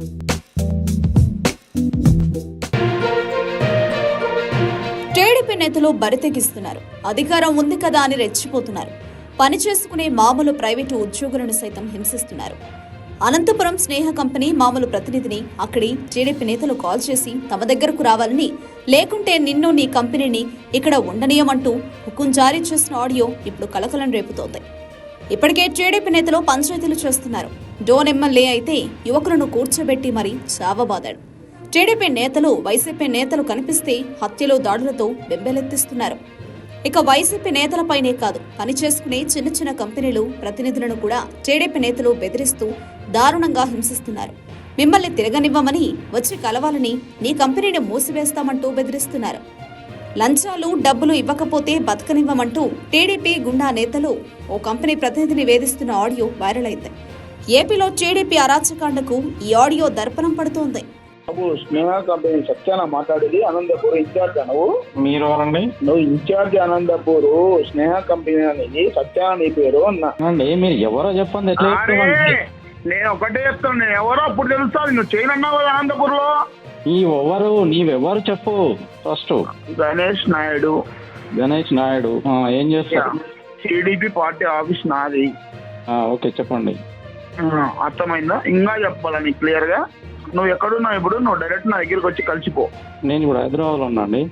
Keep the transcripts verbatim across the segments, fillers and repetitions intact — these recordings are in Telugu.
టీడీపీ నేతలు బరితెగిస్తున్నారు. అధికారం ఉంది కదా అని రెచ్చిపోతున్నారు. పని చేసుకునే మామూలు ప్రైవేటు ఉద్యోగులను సైతం హింసిస్తున్నారు. అనంతపురం స్నేహ కంపెనీ మామూలు ప్రతినిధిని అక్కడి టీడీపీ నేతలు కాల్ చేసి తమ దగ్గరకు రావాలని, లేకుంటే నిన్ను నీ కంపెనీని ఇక్కడ ఉండనీయమంటూ హుకుం జారీ చేసిన ఆడియో ఇప్పుడు కలకలం రేపుతోంది. ఇప్పటికే టీడీపీ నేతలు పంచాయతీలు చేస్తున్నారు. డోన్ ఎమ్మెల్యే అయితే యువకులను కూర్చోబెట్టి మరీ చావబాదాడు. టీడీపీ నేతలు వైసీపీ నేతలు కనిపిస్తే హత్యలు దాడులతో బెంబెలెత్తిస్తున్నారు. ఇక వైసీపీ నేతలపైనే కాదు, పనిచేసుకునే చిన్న చిన్న కంపెనీలు ప్రతినిధులను కూడా టీడీపీ నేతలు బెదిరిస్తూ దారుణంగా హింసిస్తున్నారు. మిమ్మల్ని తిరగనివ్వమని, వచ్చి కలవాలని, నీ కంపెనీని మూసివేస్తామంటూ బెదిరిస్తున్నారు. లంచాలు డబ్బులు ఇవ్వకపోతే బతకనివ్వమంటూ టీడీపీ గుండా నేతలు ఓ కంపెనీ ప్రతినిధిని వేధిస్తున్న ఆడియో వైరల్ అయింది. ఏపీలో టీడీపీ అరాచకాండకు ఈ ఆడియో దర్పణం పడుతోంది. నువ్వు స్నేహ కంపెనీ సత్యాన మాట్లాడేది అనంతపూర్ ఇన్ఛార్జ్ నువ్వు మీరు ఎవరండి? నువ్వు ఇన్ఛార్జ్ అనంతపూర్ స్నేహ కంపెనీ అనేది సత్యాన నీ పేరు అండి. మీరు ఎవరో చెప్పండి. ఎట్లా చెప్తామండి? నేను ఒకటే చెప్తాను, నేను ఎవరో అప్పుడు తెలుస్తుంది. నువ్వు చేయను అన్నావు కదా అనంతపూర్ లో. ఈ ఎవరు నీవెవరు చెప్పు ఫస్ట్. గణేష్ నాయుడు. గణేష్ నాయుడు ఏం చేస్తారు? టీడీపీ పార్టీ ఆఫీస్ నాది. ఓకే చెప్పండి. అర్థమైందా? ఇంకా చెప్పాలా నీకు క్లియర్ గా? నువ్వు ఎక్కడున్నావు ఇప్పుడు? నువ్వు డైరెక్ట్ నా దగ్గరికి వచ్చి కలిసిపో. నేను ఇప్పుడు హైదరాబాద్లో ఉన్నా అండి.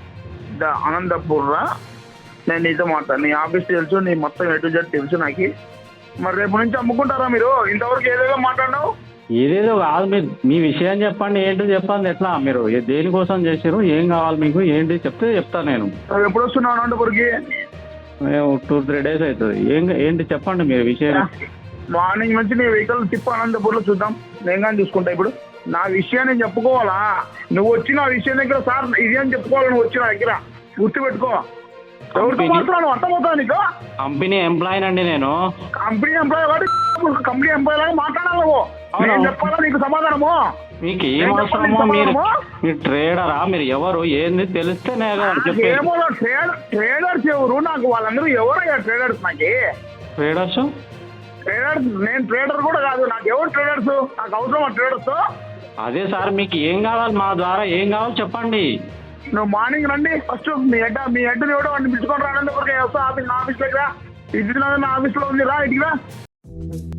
అనంతపూర్ రా, నేను నీతో మాట్లాడు. నీ ఆఫీస్ తెలుసు, నీ మొత్తం ఎటు జెడ్ తెలుసు నాకు. మరి రేపు నుంచి అమ్ముకుంటారా మీరు? ఇంతవరకు ఏదేదో మాట్లాడినావు. ఏదేదో కాదు, మీరు మీ విషయం చెప్పండి. ఏంటి చెప్పండి. ఎట్లా మీరు దేనికోసం చేసారు? ఏం కావాలి మీకు? ఏంటి చెప్తే చెప్తాను నేను. ఎప్పుడు వస్తున్నావు అనంతపూర్కి? మేము టూ త్రీ డేస్ అవుతుంది. ఏం ఏంటి చెప్పండి మీరు విషయం. మార్నింగ్ నుంచి నీ వెహికల్ తిప్పు అనంతపూర్లో చూద్దాం. నేను కానీ చూసుకుంటా. ఇప్పుడు నా విషయాన్ని నేను చెప్పుకోవాలా? నువ్వు వచ్చి నా విషయం దగ్గర సార్ ఇది అని చెప్పుకోవాలి. నువ్వు వచ్చి నా దగ్గర గుర్తుపెట్టుకో. ఎవరితో మాట్లాడు? అర్థమవుతా నీకు? కంపెనీ ఎంప్లాయీ అండి నేను. కంపెనీ ఎంప్లాయీ వాడు కంపెనీ ఎంప్లాయీ లాగా మాట్లాడాలి నువ్వు. నేను చెప్పాలా నీకు సమాధానము? మీకు ఏం అవసరమో? మీరు మీరు ట్రేడరా? మీరు ఎవరు ఏంది తెలిస్తే ఏమో. ట్రేడర్ ట్రేడర్స్ ఎవరు? నాకు వాళ్ళందరూ ఎవరయ్యా ట్రేడర్స్? నాకు ట్రేడర్స్ ట్రేడర్స్ నేను ట్రేడర్ కూడా కాదు. నాకు ఎవరు ట్రేడర్స్? నాకు అవసరం ట్రేడర్స్. అదే సార్, మీకు ఏం కావాలి? మా ద్వారా ఏం కావాలి చెప్పండి. నువ్వు మార్నింగ్ రండి ఫస్ట్. మీ హెడ్ మీ హెడ్ ఎవడో వాడిని పిలుచుకొని రానందుకు వస్తా ఆఫీస్ నా ఆఫీస్ దగ్గర. ఇది నా ఆఫీస్లో ఉంది, రా ఇటుగా.